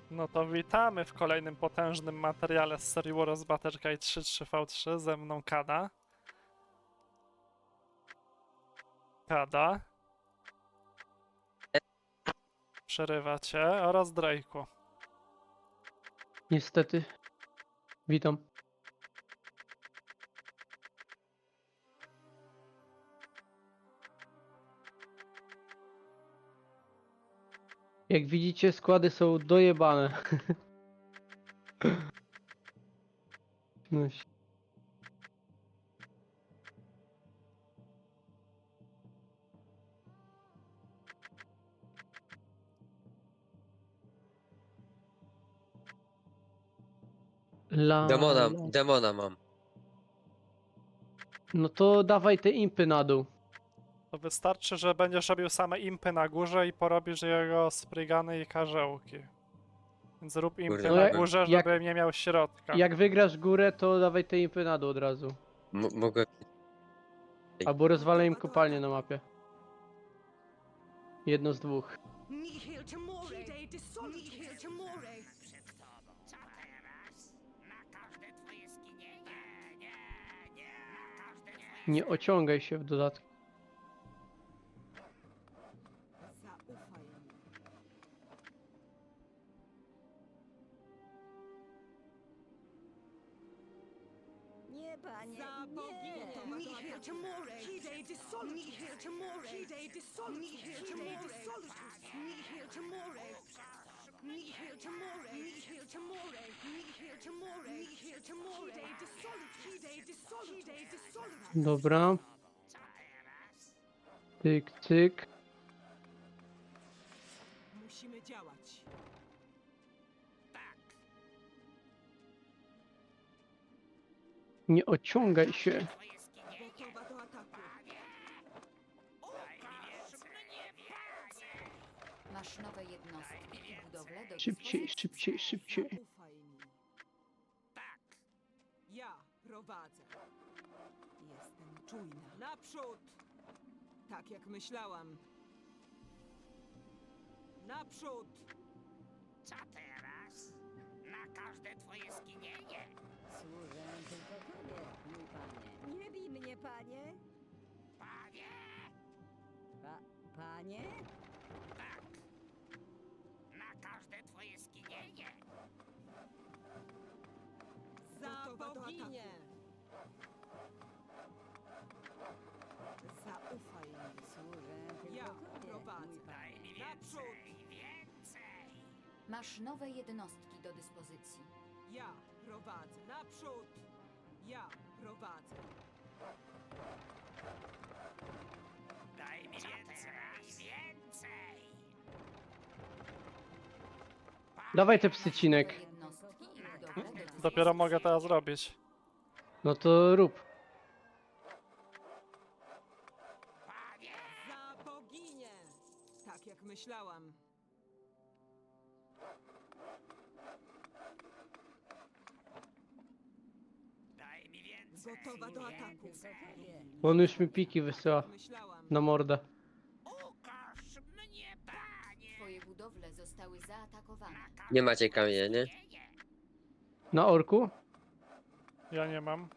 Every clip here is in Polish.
No to witamy w kolejnym potężnym materiale z serii War of Battle Guide 3.3v3. Ze mną Kada. Kada. Przerywa cię oraz Drake'u. Niestety. Witam. Jak widzicie, składy są dojebane. No, la. Demona mam. No to dawaj te impy na dół. To wystarczy, że będziesz robił same impy na górze i porobisz jego sprigany i karzełki. Więc rób impy Kurde, No na jak- górze, jak- żeby nie miał środka. Jak wygrasz górę, to dawaj te impy na dół od razu. Mogę... Albo rozwalę im kopalnię na mapie. Jedno z dwóch. Nihil timore, nihil timore. Co teraz? Na każde twoje skinienie? Nie. Na każde twoje... Nie ociągaj się w dodatku. Zaufaj mi. Nie, panie, Za nie. boginię. Nihil timore, hidei dissolutus. Nihil timore, hidei dissolutus. Nihil timore, nihil timore. Nihil timore, nihil timore, nihil timore, nihil timore. Hidei dissolutus, hidei dissolutus, hidei dissolutus. Dobra. Cyk, cyk. Musimy działać. Nie ociągaj się. Gotowa do ataku. Masz nowe jednostki i budowle do Szybciej, dyspozycji. szybciej, szybciej. Zaufaj mi. Ja prowadzę. Jestem czujna. Naprzód! Tak jak myślałam. Naprzód! Co teraz? Na każde twoje skinienie? Służę tylko tobie, mój panie. Nie bij mnie, panie. Panie! Panie? Tak. Na każde twoje skinienie? Za boginię! Zaufaj mi. Służę tylko Ja tobie, prowadzę. mój Daj panie. mi Naprzód! więcej! Masz nowe jednostki do dyspozycji. Ja prowadzę. Naprzód! Ja prowadzę. Daj mi więcej! Dawaj te psycinek. Nowe jednostki i budowle do dyspozycji. Dopiero mogę teraz robić. No to rób. Za boginię! Tak jak myślałam. Daj mi więcej! Gotowa do ataku. Tylko tobie. Bo on już mi piki wysyła Jak myślałam. na mordę. Ukaż mnie, panie! Twoje budowle zostały zaatakowane. Nie macie kamienia, nie? Na orku? Ja nie mam.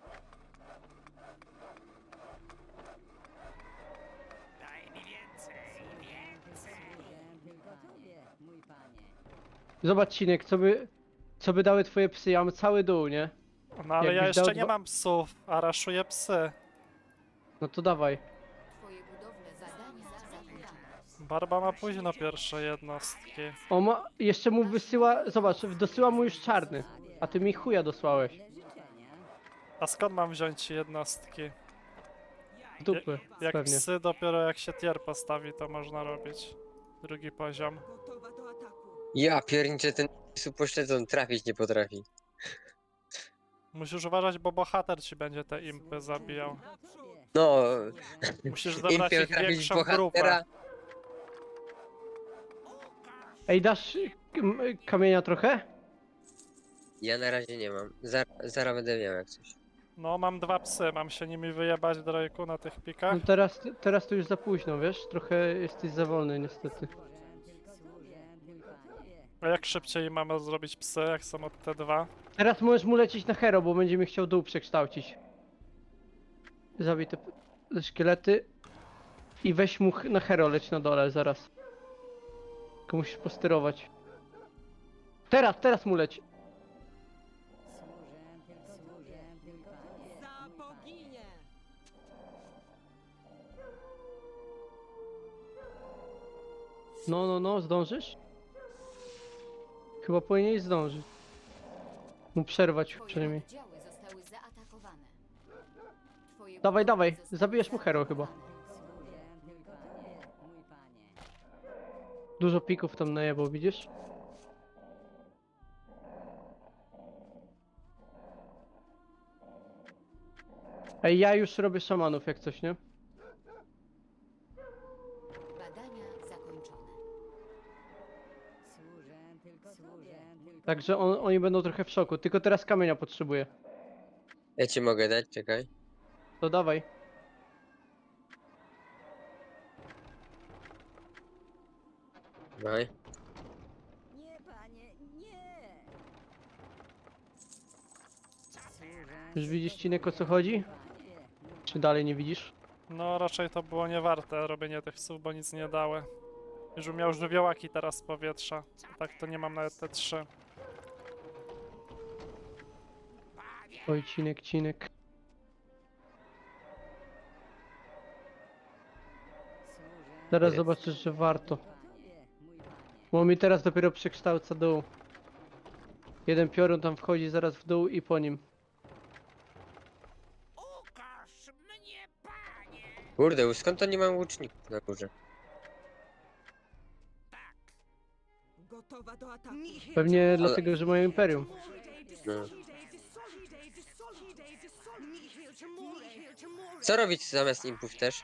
Daj mi więcej! Służę tylko tobie, mój panie. Zobacz, Cinek, co by dały twoje psy. Ja mam cały dół, nie? No ale ja Jakbyś jeszcze dał nie dwa- mam psów, a raszuję psy. No to dawaj. Twoje budowle zadanie zaatakowane. Barba ma późno pierwsze jednostki. O ma, jeszcze mu wysyła, zobacz, dosyła mu już czarny. A ty mi chuja dosłałeś. Życzenia. A skąd mam wziąć ci jednostki? Z dupy, Jak pewnie. psy dopiero jak się tier postawi, to można robić. Drugi poziom. Gotowa do ataku. Ja pierniczę, ten pośledzon trafić nie potrafi. Musisz uważać, bo bohater ci będzie te impy zabijał. Naprzód! No, Musisz zebrać impiel ich trafić większą bohatera. grupę. Ej, dasz kamienia trochę? Ja na razie nie mam. Zaraz będę miał jak coś. No, mam dwa psy, mam się nimi wyjebać, Drake'u, na tych pikach. No teraz to już za późno, wiesz? Trochę jesteś za wolny niestety. Służę tylko tobie, mój panie. A jak szybciej mamy zrobić psy, jak są od T2? Teraz możesz mu lecieć na hero, bo będzie mi chciał dół przekształcić. Zabij te szkielety. I weź mu na hero leć na dole zaraz. Tylko musisz posterować. Teraz mu leć. Służę tylko tobie, Za mój panie. boginię! No, zdążysz? Chyba powinieneś zdążyć. Mu przerwać przynajmniej. Twoje oddziały zostały zaatakowane. Twoje Dawaj, budowle dawaj, zostały zabijesz mu hero chyba. zaatakowane. Służę tylko tobie, mój panie. Dużo pików tam najebał, widzisz? Ej, ja już robię szamanów jak coś, nie? Badania zakończone. Służę tylko tobie, mój panie. Także oni będą trochę w szoku, tylko teraz kamienia potrzebuję. Ja ci mogę dać, czekaj. To dawaj. Dawaj. Nie, panie, nie! Służę Już widzisz, tylko Cinek, o co tobie, chodzi? mój panie. Czy dalej nie widzisz? No raczej to było niewarte robienie tych psów, bo nic nie dały. Już bym miał żywiołaki teraz z powietrza. A tak to nie mam nawet te 3. Oj, Cinek. Służę Zaraz Nie. zobaczysz, że warto. tylko tobie, mój panie. Bo mi teraz dopiero przekształca dół. Jeden piorun tam wchodzi zaraz w dół i po nim. Ukaż mnie, panie! Kurde, skąd oni mają łuczników na górze? Gotowa do ataku. Pewnie dlatego, że mają imperium. No. Co robić zamiast impów też?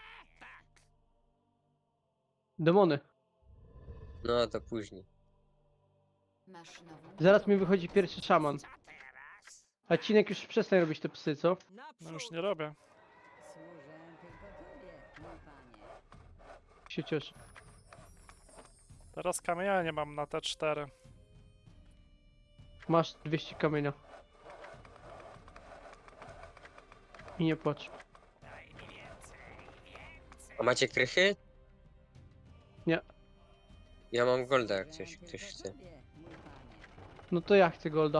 Demony. No to później. Masz nową Zaraz mi wychodzi pierwszy szaman. Co teraz? A Cinek już przestań robić te psy, co? No już nie robię. Służę tylko tobie, mój panie. Się cieszę. Teraz kamienia nie mam na te 4. Masz 200 kamienia. I nie płacz. Daj mi więcej, więcej. A macie krychy? Nie. Ja mam golda, jak Służę ktoś tylko chce. tobie, mój panie. No to ja chcę golda.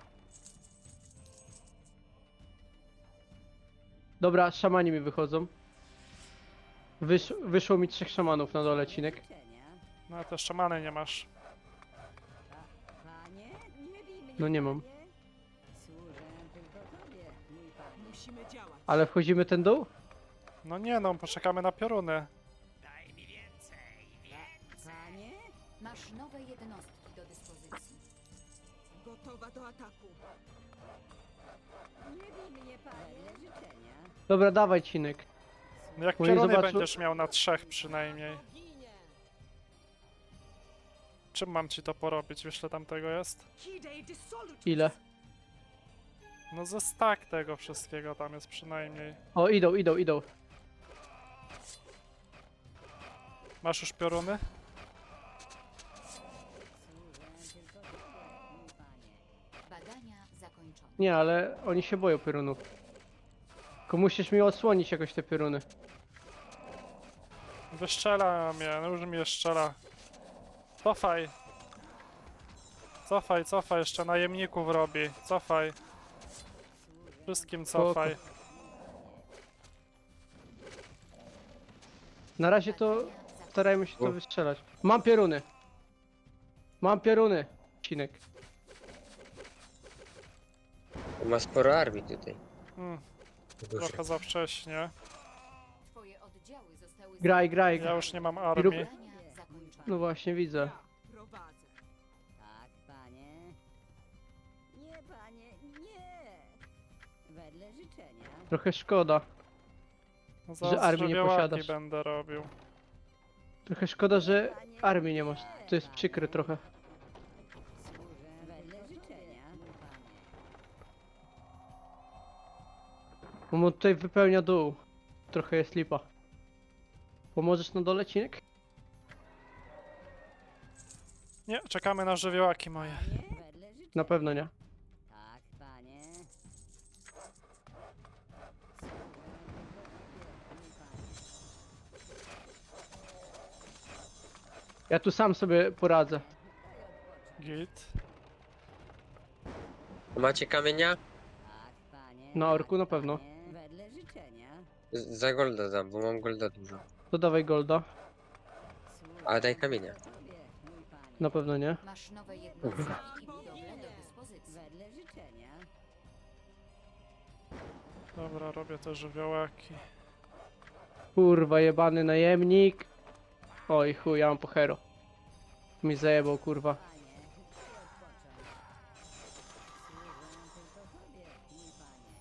Dobra, szamani mi wychodzą. Wyszło mi 3 szamanów na dole, Cinek. Życzenia. No a te szamany nie masz. Panie, nie bij mnie, No nie mam. panie. Służę tylko tobie, mój panie. Musimy działać. Ale wchodzimy ten dół? No nie no, poczekamy na pioruny. Daj mi więcej, więcej. Panie, Masz nowe jednostki do dyspozycji. Gotowa do ataku. nie bij mnie, panie. Życzenia. Dobra, dawaj, Cinek. No jak Bo nie pioruny zobaczą- będziesz miał na 3 przynajmniej. Boginię. Czym mam ci to porobić? Wiesz ile tam tego jest? Kidej dissolutus. Ile? No ze stack tego wszystkiego tam jest przynajmniej. O, idą. Masz już pioruny? Służę tylko tobie, mój panie. Badania zakończone. Nie, ale oni się boją piorunów. Tylko musisz mi odsłonić jakoś te pioruny. Wyszczela mnie, no już mnie strzela. Cofaj. Cofaj, jeszcze najemników robi. Cofaj. Wszystkim cofaj. Na razie to Badania zakończone. starajmy się to wystrzelać. Mam pioruny. Cinek. Ma sporo armii tutaj. W górze. Trochę za wcześnie. Twoje oddziały zostały Graj. Ja już nie mam rób- armii. Badania zakończone. No właśnie, widzę. Ja prowadzę. Tak, panie. Nie, panie, nie. Wedle życzenia. Trochę szkoda. No Że zaraz armii nie żywiołaki posiadasz. będę robił. Trochę szkoda, że armii nie masz. To jest przykre trochę. Służę wedle życzenia, mój panie. Bo mu tutaj wypełnia dół. Trochę jest lipa. Pomożesz na dole, Cinek? Nie, czekamy na żywiołaki moje. Panie, wedle życzenia. Na pewno nie. Tak, panie. Ja tu sam sobie poradzę. Git. Macie kamienia? Tak, panie. Na orku na pewno. Panie, wedle życzenia. Za golda dam, bo mam golda dużo. To dawaj golda. A daj kamienia. Tobie, mój panie. Na pewno nie. Masz nowe jednostki i budowle do dyspozycji. Wedle życzenia. Dobra, robię te żywiołaki. Kurwa, jebany najemnik. Oj chuj, ja mam po hero. Mi zajebał, kurwa. Panie, daj odpocząć. Służę tylko tobie, mój panie.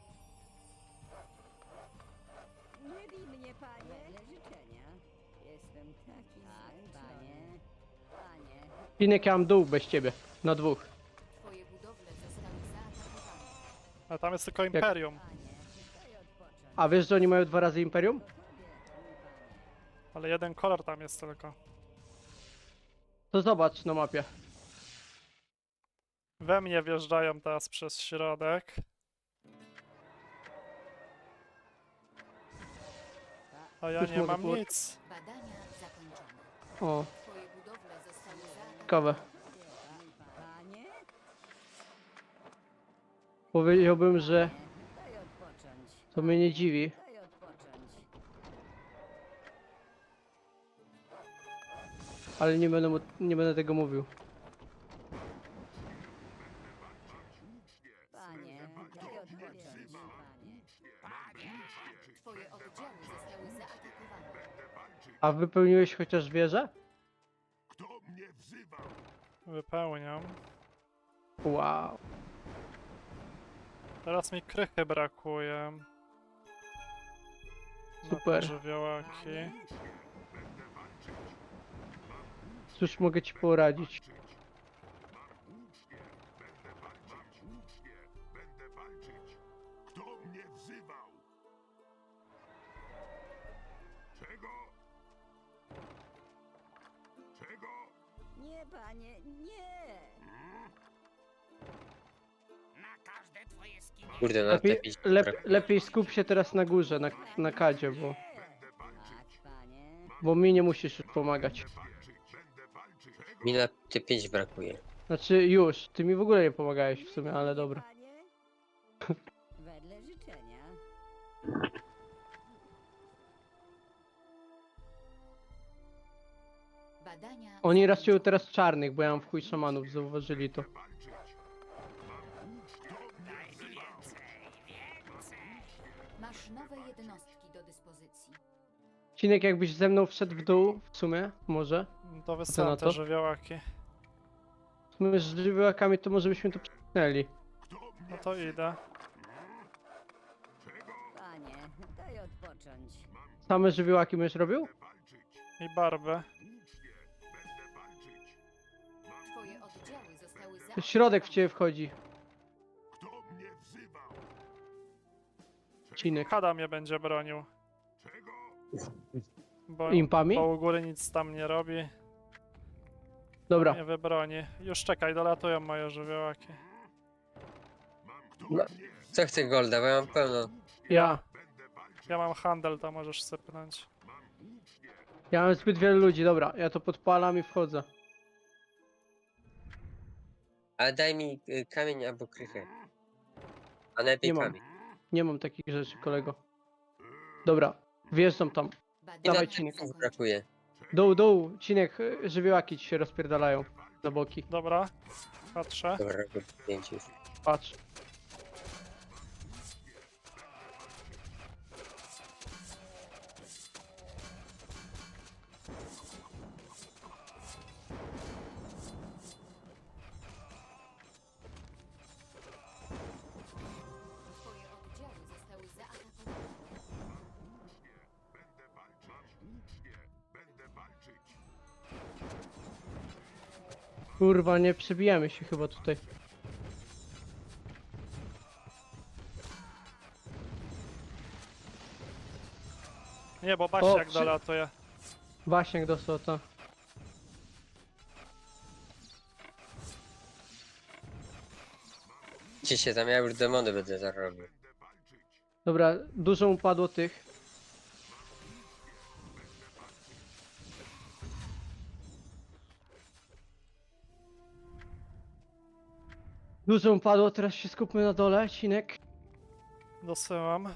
Nie bij mnie, panie. Wedle życzenia. Jestem taki tak, panie. Panie. Pinek, ja mam dół bez ciebie. Na dwóch. Twoje budowle zostały zaatakowane. A tam jest tylko Imperium. Panie, daj odpocząć. A wiesz, że oni mają 2 razy Imperium? Tobie, mój panie. Ale jeden kolor tam jest tylko. To zobacz na mapie. We mnie wjeżdżają teraz przez środek. A ja Już nie mogę mam było- nic. Badania zakończone. O, Twoje budowle zostały zaatakowane. ciekawe. Panie, Powiedziałbym, że daj odpocząć. to mnie nie dziwi. Daj odpocząć. Ale nie będę tego mówił. Panie, daj odpocząć. Panie. Twoje oddziały zostały zaatakowane. A wypełniłeś chociaż wieżę? Wypełniam. Wow. Teraz mi krychy brakuje. Na te Super. żywiołaki. Cóż mogę ci poradzić? Nie, panie, nie! Na każde twoje skinienie. Kurde, na Lepiej, te pić. lepiej skup się teraz na górze, na kadzie, Tak, panie. bo mi nie musisz już pomagać. Mi na te 5 brakuje. Znaczy już, ty mi w ogóle nie pomagałeś w sumie, ale dobra. Panie. Wedle życzenia. Badania Oni raczej zakończone. teraz czarnych, bo ja mam w chuj szamanów, zauważyli to. Daj mi więcej, więcej. Masz nowe jednostki do dyspozycji. Cinek, jakbyś ze mną wszedł w dół, w sumie, może. To na wysyłam to? te żywiołaki. W sumie z żywiołakami to może byśmy to przesunęli. No to idę. Panie, daj odpocząć. Same żywiołaki będziesz robił? I barbę. Twoje oddziały zostały To zaatakowane. środek w ciebie wchodzi. Cinek. Kada mnie będzie bronił. Bo, Impami? bo u góry nic tam nie robi. Dobra, Nie wybroni. Już czekaj, dolatują moje żywiołaki. No, co chcę golda, bo ja mam pełno. ja. Ja mam handel, to możesz sypnąć. Ja mam zbyt wielu ludzi, dobra. Ja to podpalam i wchodzę. Ale daj mi kamień albo krychę. A najlepiej Nie mam. kamień. Nie mam takich rzeczy, kolego. Dobra, wjeżdżam tam. Badania Dawaj, Cinek. zakończone. Brakuje. Dół, Cinek, żywiołaki ci się rozpierdalają na boki. Dobra, patrzę. Dobra, robię 5 już. Patrz. Twoje oddziały zostały zaatakowane. Kurwa, nie przebijamy się chyba tutaj. Nie, bo Basiak przy- dolatuje. Waśniak dostał to. Skupcie się tam, ja już demony będę zarobił. Dobra, dużo upadło tych. Dużo upadło, teraz się skupmy na dole, Cinek. Dosyłam.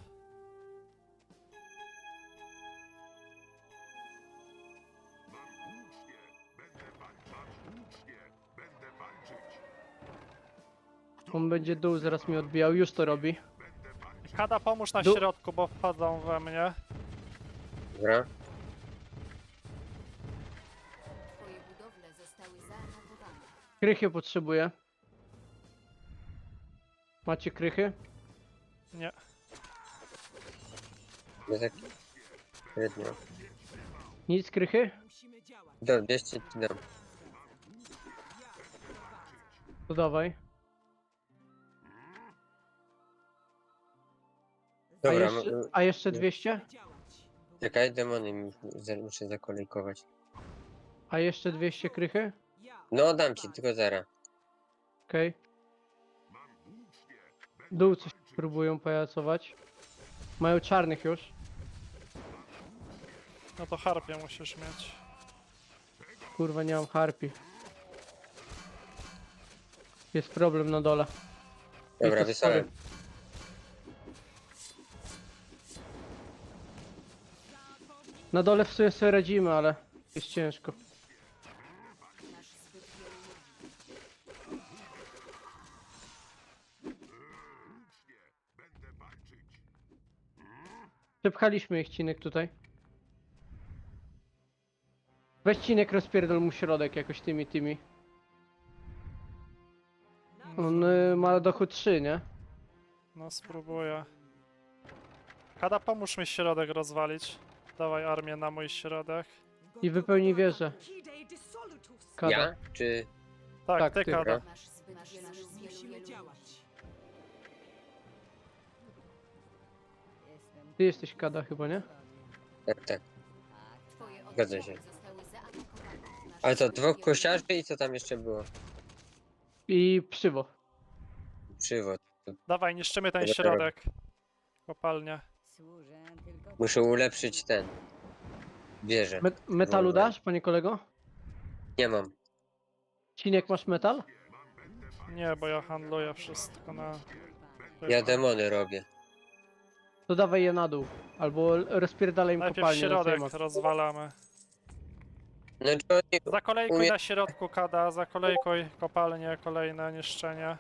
On będzie dół, zaraz mi odbijał, już to robi. Kada, pomóż na Du- środku, bo wchodzą we mnie. Dobra? Twoje budowle zostały zaatakowane. Krychy potrzebuję. Macie krychy? Nie. No tak... Średnio. Nic krychy? Dobra, bierzcie ci dam. To dawaj. Dobra, A jeszcze 200? czekaj, demony mi muszę zakolejkować. A jeszcze 200 krychy? No dam ci, tylko zaraz. Okej. Dół coś próbują pajacować. Mają czarnych już. No to harpie musisz mieć. Kurwa, nie mam harpi. Jest problem na dole. Dobra, to wysłałem. Na dole w sumie sobie radzimy, ale jest ciężko. Masz zbyt wielu ludzi. Przepchaliśmy ich, Cinek, tutaj. Weź, Cinek, rozpierdol mu środek jakoś tymi. On ma dochód 3, nie? No spróbuję. Kada, pomóż mi środek rozwalić. Dawaj armię na mój środek. I wypełni wieżę. Kada. Ja? Czy... Tak, Tak, ty ty. Kada. Masz zbyt wielu ludzi. Ty jesteś Kada chyba, nie? Tak, tak. Twoje Zgadza oddziały się. zostały zaatakowane. Masz Ale to zbyt dwóch wielu kosiarzy i co tam jeszcze było? I przywo. Przywód. Dawaj, niszczymy ten Dobra, środek. Kopalnia. Służę tylko Muszę ulepszyć ten... Wieżę. Metalu Dobra. dasz, panie kolego? Nie mam. Cinek, masz metal? Nie, bo ja handluję wszystko na... Ja demony robię. To dawaj je na dół. Albo rozpierdalaj im Najpierw kopalnię. na środek temat. rozwalamy. No to oni... Zakolejkuj Umie- na środku, Kada, zakolejkuj kopalnie, kolejne niszczenie.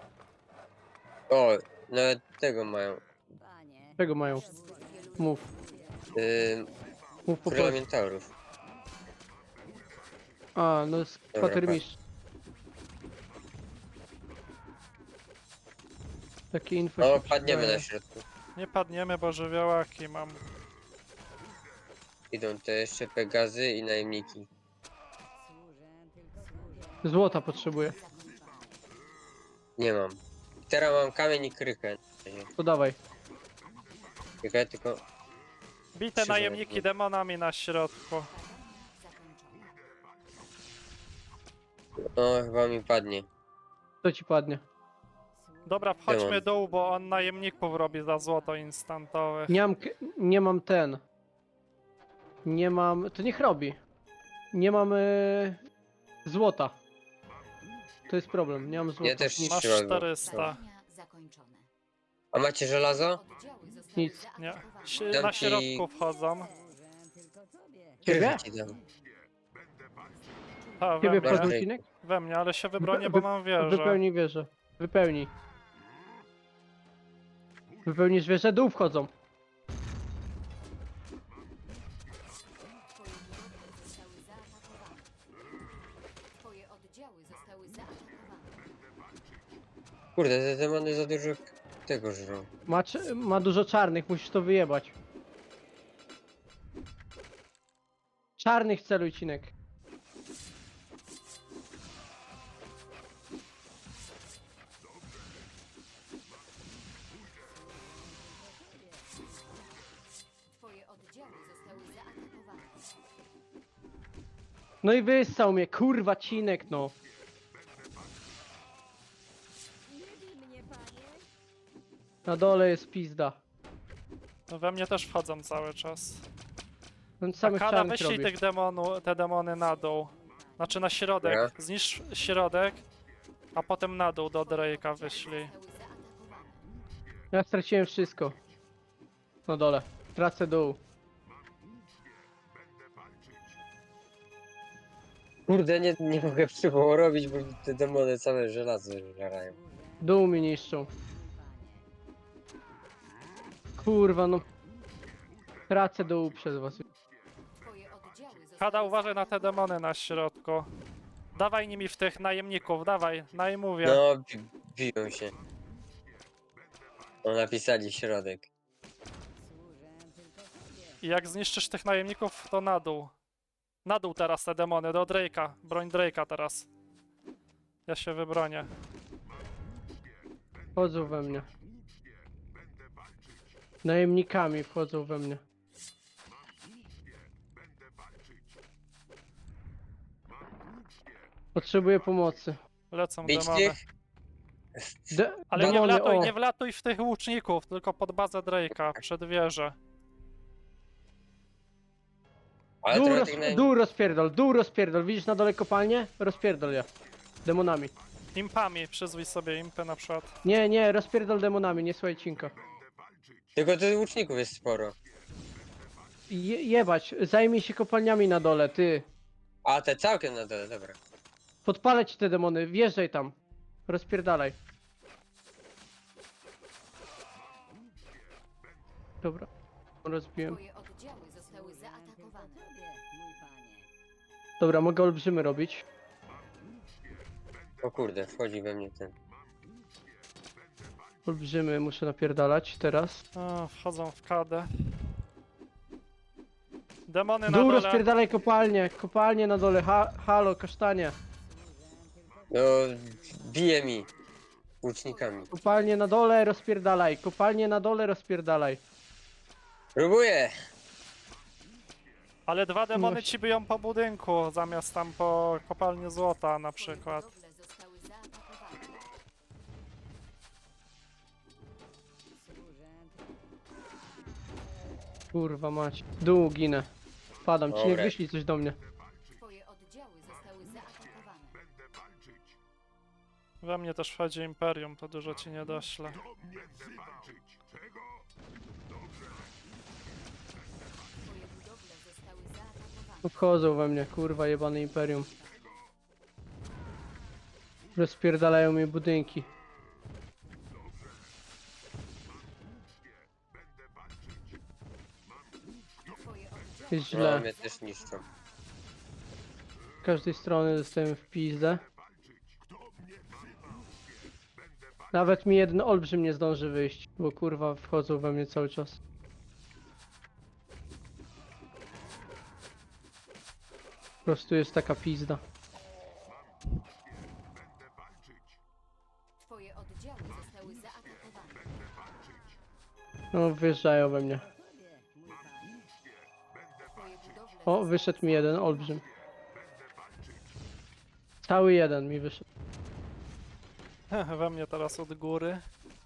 O, nawet tego mają. panie. Czego mają? Mów. Mów po Króla prostu. Minotaurów. A, no jest Dobra, kwatermistrz. Takie info O, się padniemy przydaje. na środku. Nie padniemy, bo żywiołaki mam. Idą te jeszcze Pegazy i najemniki. Służę tylko Złota potrzebuję. Nie mam. Teraz mam kamień i krychę. To dawaj. Czekaj, tylko... Bite Krzyżem najemniki jakby. demonami na środku. O, chyba mi padnie. To ci padnie. Dobra, wchodźmy Demon. dół, bo on najemników robi za złoto instantowe. Nie mam ten. Nie mam. To niech robi. Nie mam złota. To jest problem. Nie mam złota. Ja też nie Masz trzymam. 400. Zadania zakończone. A macie żelazo? Oddziały zostały Nic. Nie. zaatakowane. Dam Na ci- środku wchodzą. tylko tobie. Krychę Ciebie? ci dam. A, we Ciebie mnie. wchodzą, Ej. Cinek? We mnie, ale się wybronię, bo mam wieżę. Wypełnij wieżę. Wypełnij. Wypełnisz wieżę, dół wchodzą. Twoje oddziały zostały zaatakowane. Kurde, te demony za dużo tego żrą. Ma dużo czarnych, musisz to wyjebać. Czarnych celuj, Cinek. Twoje oddziały zostały zaatakowane. No i wyssał mnie, kurwa, Cinek, no. Nie bij mnie, panie. Na dole jest pizda. No we mnie też wchodzą cały czas. On samych Akada, czarnych wyślij robi. te demony na dół. Znaczy na środek. Dobra. Zniszcz środek, a potem na dół do Drake'a wyślij. Zostały zaatakowane. Ja straciłem wszystko. Na dole. Tracę dół. Kurde, nie mogę przywoło robić, bo te demony całe żelazo żerają. Dół mi niszczą. Kurwa no. Tracę dół przez was. Twoje oddziały zostały Kada, uważaj na te demony na środku. Dawaj nimi w tych najemników, dawaj, najmówię. No, biją się. No, napisali środek. I jak zniszczysz tych najemników, to na dół. Na dół teraz te demony, do Drake'a. Broń Drake'a teraz. Ja się wybronię. Wchodzą we mnie. Najemnikami wchodzą we mnie. Potrzebuję pomocy. Lecą Bić demony. tych? Ale nie demony, wlatuj, o. nie wlatuj w tych łuczników, tylko pod bazę Drake'a, przed wieżę. Ale Dół, trochę roz, tych dół rozpierdol, dół rozpierdol. Widzisz na dole kopalnię? Rozpierdol je. Demonami. Impami, przyzwij sobie impy na przykład. Nie, rozpierdol demonami, nie słuchaj cinka. Tylko tych łuczników jest sporo. Jebać, zajmij się kopalniami na dole, ty. A, te całkiem na dole, dobra. Podpalę ci te demony, wjeżdżaj tam. Rozpierdalaj. Dobra, rozbiłem. Twoje oddziały zostały zaatakowane. Dobra, mogę olbrzymy robić. O kurde, wchodzi we mnie ten. Olbrzymy muszę napierdalać teraz. O, wchodzą w kadę. Demony na Dół dole. rozpierdalaj kopalnie na dole, halo, kasztanie. No, bije mi. Łucznikami. Kopalnie na dole, rozpierdalaj, kopalnie na dole, rozpierdalaj. Próbuję! Ale dwa demony Właśnie. ci biją po budynku, zamiast tam po kopalni złota na Twoje przykład. budowle zostały zaatakowane. Kurwa mać. Dół ginę. Padam, ci nie Dobra. wyślij coś do mnie. Twoje oddziały zostały zaatakowane. We mnie też wchodzi Imperium, to dużo ci nie dośle. Twoje budowle zostały zaatakowane. Obchodzą we mnie, kurwa jebany imperium. Rozpierdalają mi budynki. Twoje oddziały Jest No, źle. mnie też niszczą. Z każdej strony dostałem w pizdę. Nawet mi jeden olbrzym nie zdąży wyjść, bo kurwa wchodzą we mnie cały czas. Po prostu jest taka pizda. Twoje oddziały zostały zaatakowane. No wyjeżdżają we mnie. Twoje budowle O, wyszedł mi jeden olbrzym. Cały jeden mi wyszedł. We mnie teraz od góry.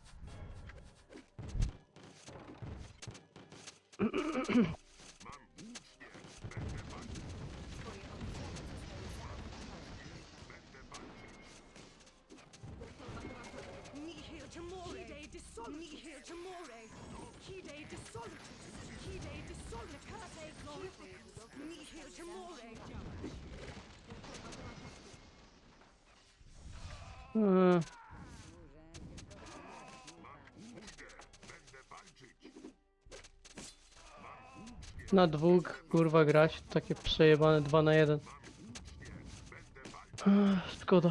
Nihil timore, Hide dissolutus, nihil timore, Hide dissolutus, Hide dissolutus, Cate glorificus, nihil timore. Eee. Na dwóch kurwa grać, takie przejebane 2 na 1. Szkoda.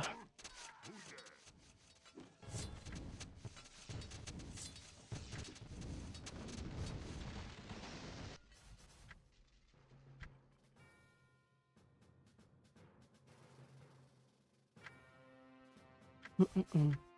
Mm-mm.